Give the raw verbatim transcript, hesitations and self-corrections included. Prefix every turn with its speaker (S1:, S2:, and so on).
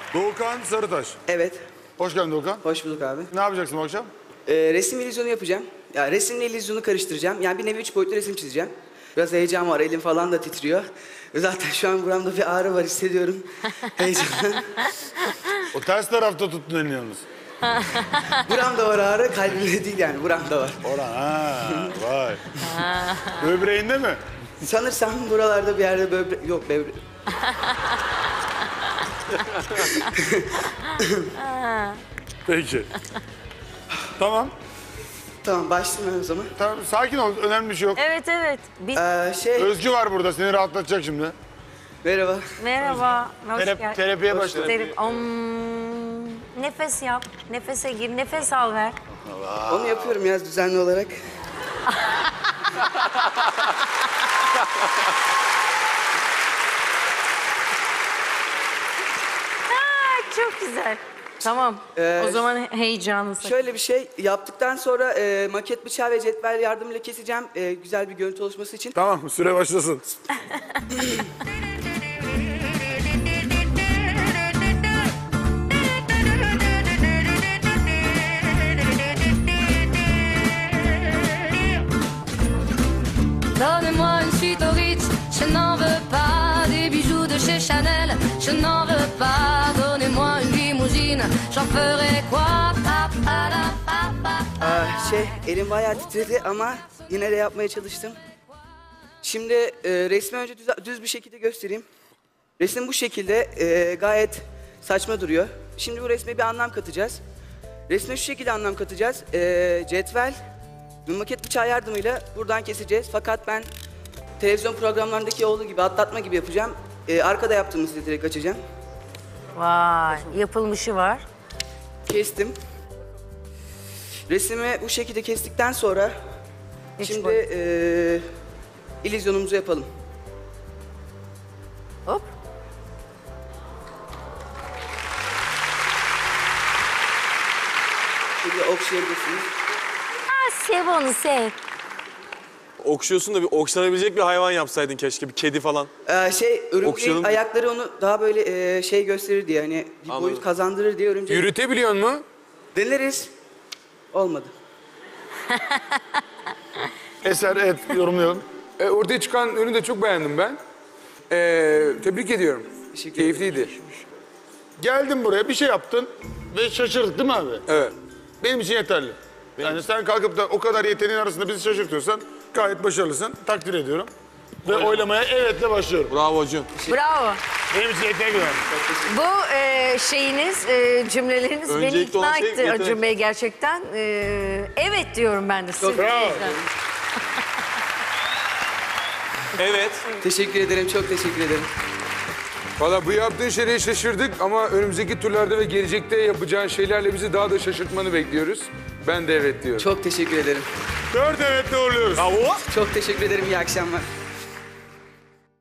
S1: Doğukan Sarıtaş.
S2: Evet.
S1: Hoş geldin Doğukan.
S2: Hoş bulduk abi.
S1: Ne yapacaksın bu akşam?
S2: Ee, resim illüzyonu yapacağım. Ya resimle illüzyonu karıştıracağım. Yani bir nevi üç boyutlu resim çizeceğim. Biraz heyecan var, elim falan da titriyor. Zaten şu an buramda bir ağrı var, hissediyorum. Heyecandan.
S1: O ters tarafta tuttun elini yalnız.
S2: Buramda var ağrı, kalbimde değil yani, buramda var.
S1: Orhan, ha, vay. Böbreğinde mi?
S2: Sanırsam buralarda bir yerde böbre... Yok, böbre...
S1: Peki. Tamam.
S2: Tamam, başlayayım ben o zaman.
S1: Tamam, sakin ol. Önemli bir şey yok.
S3: Evet evet. Biz...
S2: Ee, şey...
S1: Özgü var burada. Seni rahatlatacak şimdi.
S2: Merhaba.
S3: Merhaba. Hoş
S1: Terap-
S3: geldin.
S1: terapiye başla.
S3: Terap- Om, nefes yap. Nefese gir. Nefes al ver.
S2: Onu yapıyorum ya düzenli olarak.
S3: Aa, çok güzel. Tamam.
S2: Ee,
S3: o zaman heyecanlı sakın.
S2: Şöyle bir şey yaptıktan sonra e, maket bıçağı ve cetvel yardımıyla keseceğim. E, güzel bir görüntü oluşması için.
S1: Tamam, süre başlasın.
S4: Donnez-moi une suite au Ritz, je n'en veux pas des bijoux de chez Chanel, je n'en veux pas. Donnez-moi une limousine, j'en ferai quoi? Pa, pa, da, pa, pa, pa.
S2: Aa, şey, elim bayağı titredi ama yine de yapmaya çalıştım. Şimdi e, resmi önce düz, düz bir şekilde göstereyim. Resim bu şekilde e, gayet saçma duruyor. Şimdi bu resme bir anlam katacağız. Resme şu şekilde anlam katacağız. E, cetvel ve maket bıçağı yardımıyla buradan keseceğiz. Fakat ben televizyon programlarındaki olduğu gibi atlatma gibi yapacağım. E, arkada yaptığımı size direkt açacağım.
S3: Vay. Yapılmışı var.
S2: Kestim. Resmi bu şekilde kestikten sonra
S3: Üç
S2: şimdi
S3: boyut.
S2: eee illüzyonumuzu yapalım.
S3: Hop.
S2: Şimdi okşayabilirsiniz.
S3: Ha, sev onu sev.
S5: Okşuyorsun da bir okşanabilecek bir hayvan yapsaydın keşke. Bir kedi falan.
S2: Ee, şey örümceğin
S5: Okşayalım.
S2: ayakları onu daha böyle eee, şey gösterir diye hani bir
S5: Anladım.
S2: boyut kazandırır diye örümcek.
S6: Yürütebiliyor mu?
S2: Deneriz. Olmadı.
S1: Eser, et, yorumlayalım.
S6: E, ortaya çıkan ürünü de çok beğendim ben. E, tebrik ediyorum.
S2: Teşekkür
S6: Keyifliydi.
S1: Geldin buraya, bir şey yaptın ve şaşırdık değil mi abi?
S6: Evet.
S1: Benim için yeterli. Yani sen kalkıp da o kadar yeteneğin arasında bizi şaşırtıyorsan gayet başarılısın. Takdir ediyorum. Ve oylamaya evetle başlıyorum.
S5: Bravo Acun.
S3: Bravo.
S1: Benim için yeterli yani.
S3: Bu e, şeyiniz, e, cümleleriniz beni
S5: Öncelikli
S3: ikna
S5: olan şey
S3: etti
S5: yetenek.
S3: Acun Bey gerçekten. E, evet diyorum ben de. sırf bu
S1: bravo.
S3: yüzden.
S5: Evet.
S2: Teşekkür ederim. Çok teşekkür ederim.
S6: Valla bu yaptığın şeye şaşırdık ama önümüzdeki turlarda ve gelecekte yapacağın şeylerle bizi daha da şaşırtmanı bekliyoruz. Ben de evet diyorum.
S2: Çok teşekkür ederim.
S1: Dört evetle uğurluyoruz. Bravo.
S2: Çok teşekkür ederim. İyi akşamlar.